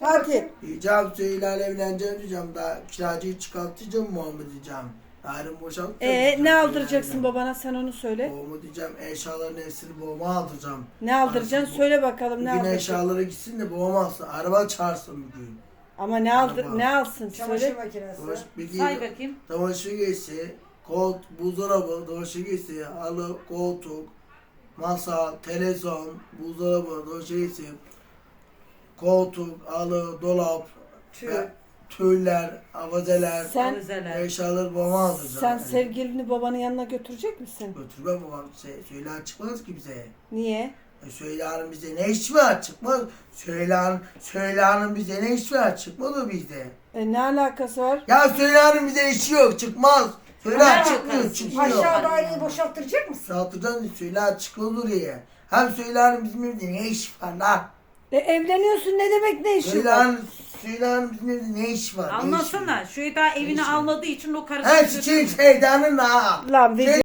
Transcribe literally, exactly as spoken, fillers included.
Hadi. Diyeceğim Süheyla'yla evleneceğim diyeceğim. Daha kiracıyı çıkartacağım Muhammed diyeceğim. Yarın boşaltacağım. Ee, diyeceğim ne aldıracaksın Süheyla'yla. babana, sen onu söyle. Babama diyeceğim eşyaların hepsini babama aldıracağım. Ne aldıracaksın Arası bu- söyle bakalım, ne Bugün aldıracaksın. eşyaları gitsin de babam alsın. Araba çağırsın bugün. Ama ne aldır Araba. ne alsın Çamaşır söyle. makinesi. Çamaşır bir Say bakayım. Çamaşır giysi, kolt, buzdolabı, çamaşır giysi, halı, koltuk, masa, televizyon, buzdolabı, çamaşır giysi, koltuk, halı, dolap, Tüy. ve tüyler, avazeler, Sen Avizeler. eşyaları babama alacağım. sen sevgilini babanın yanına götürecek misin? Götürmem babam. Şey, Söyle çıkmaz ki bize. Niye? E, Söyle Hanım bize ne iş var çıkmaz. Söyle Hanım, Söyle Hanım bize ne iş var çıkmaz o bizde. E, ne alakası var? Ya Söyle Hanım bize işi yok çıkmaz. Söyle Ne çıkmıyor alakası? çıkmıyor. Aşağı daireyi boşalttıracak mısın? Saldırıdan Söyle çıkmaz oraya. Hem Söyle Hanım bizim evde ne iş var lan? E, evleniyorsun, ne demek ne işin Söyle var? Hanım, Söyle Hanım bizim evde ne iş var? Ne iş Anlasana. var? Şu daha evini Neyse. almadığı için o He karısı çiçeğin şeytanın ha. Lan Şey- video